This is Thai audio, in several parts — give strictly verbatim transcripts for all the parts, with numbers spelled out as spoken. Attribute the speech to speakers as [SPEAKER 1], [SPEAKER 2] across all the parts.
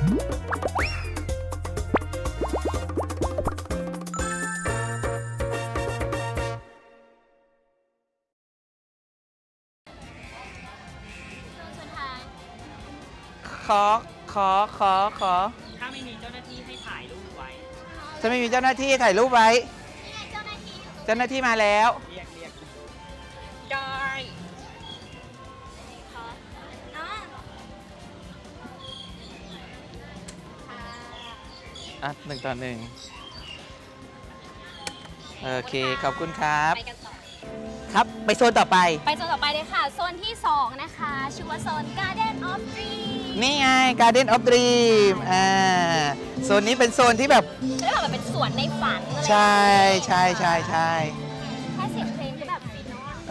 [SPEAKER 1] ขอขอขอขอ
[SPEAKER 2] ถ้าไม่มีเจ้าหน้าที่ให้ถ่ายรูปไว้
[SPEAKER 1] จะไม่มีเจ้าหน้าที่ถ่ายรูปไว้เจ้าหน้าที่มาแล้ว
[SPEAKER 2] เรียกเรียกจอย
[SPEAKER 1] อ่ะหนึ่งต่อหนึ่งโอเคขอบคุณครับ
[SPEAKER 3] ไปกันต่อ
[SPEAKER 1] ครับไปโซนต่อไป
[SPEAKER 3] ไปโซนต่อไปเลยค่ะโซนที่สองนะคะชื่อว่าโซน Garden of Dreams
[SPEAKER 1] นี่ไง Garden of Dream อ่าโซนนี้เป็นโซนที่แบบ
[SPEAKER 3] เรียกว่าแบบเป็นสวนในฝันเลย
[SPEAKER 1] ใช่ใช่ใช่ใช่
[SPEAKER 3] แค่เสียงเพลงก็แบบฟินเนาะ
[SPEAKER 1] เอ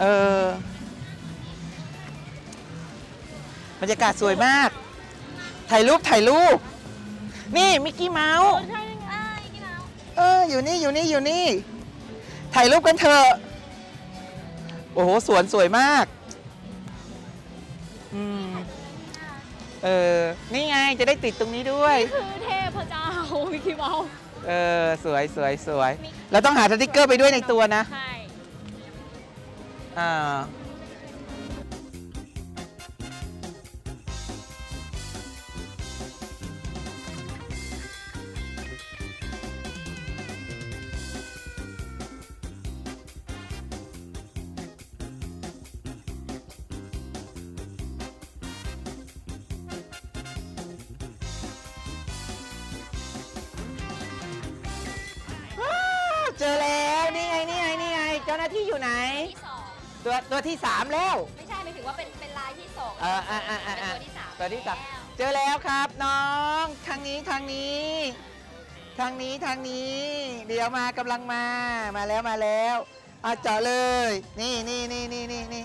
[SPEAKER 1] อบรรยากาศสวยมากถ่ายรูปถ่ายรูปนี่มิกกี้เมาส์
[SPEAKER 3] ใช่ไงมิกกี้เมาส์
[SPEAKER 1] เอออยู่นี่อยู่นี่อยู่นี่ถ่ายรูปกันเถอะโอ้โหสวนสวยมากอืมเออนี่ไงจะได้ติดตรงนี้ด้วย
[SPEAKER 3] นี่คือเทพเจ้ามิกกี้เมาส์
[SPEAKER 1] เออสวยสวยสวยเราต้องหาสติ๊กเกอร์ไปด้วยในตัวนะ
[SPEAKER 3] ใช่
[SPEAKER 1] อ่าเจอแล้วนี่ไงนี่ไงนี่ไงเจ้าหน้าที่อยู่ไหน
[SPEAKER 3] ที่สอง
[SPEAKER 1] ตัวตัวที่สามแล้ว
[SPEAKER 3] ไม่ใช่ไม่ถึงว่าเป็นเป็นลายที่สอง
[SPEAKER 1] เอออ่าอ่าอ่า
[SPEAKER 3] ตัวที่สาม
[SPEAKER 1] ตัวที่สามเจอแล้วครับน้องทางนี้ทางนี้ทางนี้ทางนี้ เดี๋ยวมากำลังมามาแล้วมาแล้วอ่ะเจาะเลยนี่นี่นี่นี่นี่นี่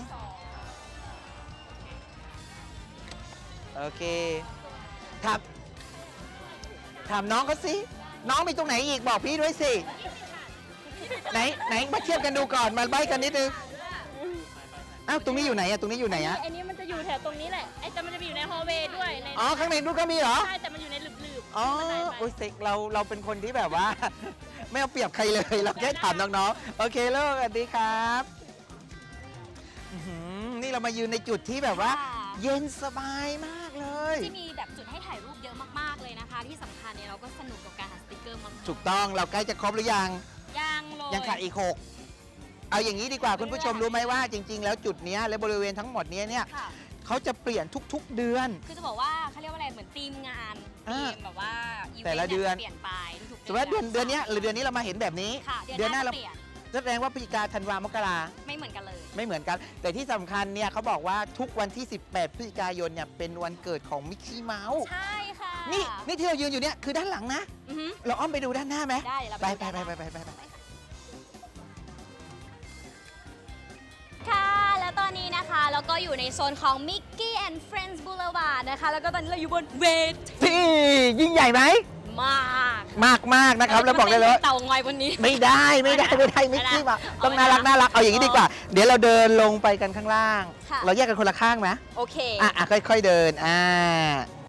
[SPEAKER 1] โอเคถามถามน้องเขาสิน้องมีตรงไหนอีกบอกพี่ด้วยสิไหนไหนมาเทียบกันดูก่อนมาใบ้กันนิดนึงอ้าวตรงนี้อยู่ไหนอะตรงนี้อยู่ไหนอะ
[SPEAKER 3] ไอ้นี้มันจะอยู่แถวตรงนี้แหละไอ้แต่มันจะอยู่ในฮอลล์เวย์ด้วย
[SPEAKER 1] อ๋อข้างในนู้นก็มีเหรอ
[SPEAKER 3] ใช่แต่มันอยู่ในหลืบ
[SPEAKER 1] ๆอ๋อโอ้ยเซ็กเราเราเป็นคนที่แบบว่าไม่เอาเปรียบใครเลยเราแค่ถามน้องๆโอเคเลิกสวัสดีครับนี่เรามายืนในจุดที่แบบว่าเย็นสบายมากเลย
[SPEAKER 3] ที่มีแบบจุดให้ถ่ายรูปเยอะมากๆเลยนะคะที่สำคัญเนี่ยเราก็สนุกกับการหาสติ๊กเกอร์มาก
[SPEAKER 1] ถูกต้องเราใกล้จะครบหรือยัง
[SPEAKER 3] ยังเลย
[SPEAKER 1] ยังขาดอีกหกเอาอย่างนี้ดีกว่าคุณผู้ชมรู้ไหมว่าจริงๆแล้วจุดนี้และบริเวณทั้งหมดนี้เนี่ยเขาจะเปลี่ยนทุกๆเดือน
[SPEAKER 3] คือจะบอกว่าเขาเรียกว่าอะไรเหมือนทีมงานทีมแบบว่า
[SPEAKER 1] แต่ละเดือน
[SPEAKER 3] เปลี่ยนไปทุก
[SPEAKER 1] สมมติว่าเดือนเดือนนี้หรือเดือนนี้เรามาเห็นแบบนี้
[SPEAKER 3] เดือนหน้า
[SPEAKER 1] เราแสดงว่าพฤศจิกาธันวามกรา
[SPEAKER 3] ไม่เหมือนกันเลย
[SPEAKER 1] ไม่เหมือนกันแต่ที่สำคัญเนี่ยเขาบอกว่าทุกวันที่สิบแปดพฤศจิกายนเนี่ยเป็นวันเกิดของมิกกี้เมาส์
[SPEAKER 3] ใช่ค่ะ
[SPEAKER 1] นี่นี่ที่เรายืนอยู่เนี่ยคือด้านหลังนะเราอ้อมไปดูด้านหน้าไหม
[SPEAKER 3] ได้
[SPEAKER 1] ไปไปไปไปไปไป
[SPEAKER 3] ค่ะแล้วตอนนี้นะคะเราก็อยู่ในโซนของ Mickey and Friends Boulevard นะคะแล้วก็ตอนนี้เราอยู่บนเวที
[SPEAKER 1] ยิ่งใหญ่ไหม
[SPEAKER 3] มาก
[SPEAKER 1] มากมากนะครับแล้วบอกได้เลย
[SPEAKER 3] เต่างอยวันนี้
[SPEAKER 1] ไม่ได้ไม่ได้ไม่ได้มิกกี้มาต้องน่ารักน่ารักเอาอย่างนี้ดีกว่าเดี๋ยวเราเดินลงไปกันข้างล่างเราแยกกันคนละข้างไหม
[SPEAKER 3] โอเค
[SPEAKER 1] อ่ะค่อยๆเดินอ่า